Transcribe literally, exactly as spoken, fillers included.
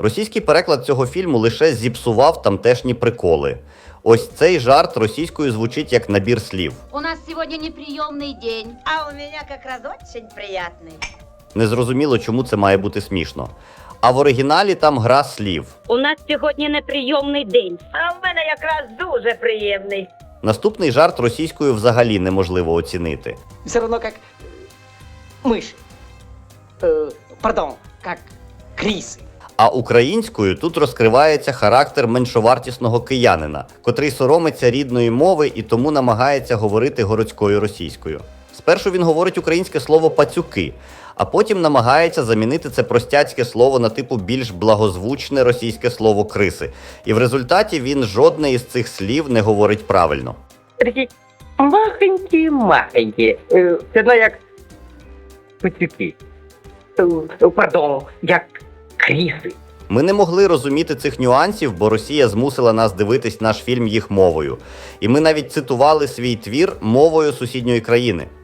Російський переклад цього фільму лише зіпсував тамтешні приколи. Ось цей жарт російською звучить як набір слів. У нас сегодня неприемный день. А у меня как раз очень приятный. Незрозуміло, чому це має бути смішно. А в оригіналі там гра слів. У нас сьогодні неприйомний день. А в мене якраз дуже приємний. Наступний жарт російською взагалі неможливо оцінити. Все равно как мышь. Э, пардон, как крисы. А українською тут розкривається характер меншовартісного киянина, котрий соромиться рідної мови і тому намагається говорити городською російською. Спершу він говорить українське слово «пацюки», а потім намагається замінити це простяцьке слово на типу більш благозвучне російське слово «криси». І в результаті він жодне із цих слів не говорить правильно. Такі махенькі-махенькі. Е, Це одно як пацюки. Е, Пардон, як кріси. Ми не могли розуміти цих нюансів, бо Росія змусила нас дивитись наш фільм їх мовою. І ми навіть цитували свій твір мовою сусідньої країни.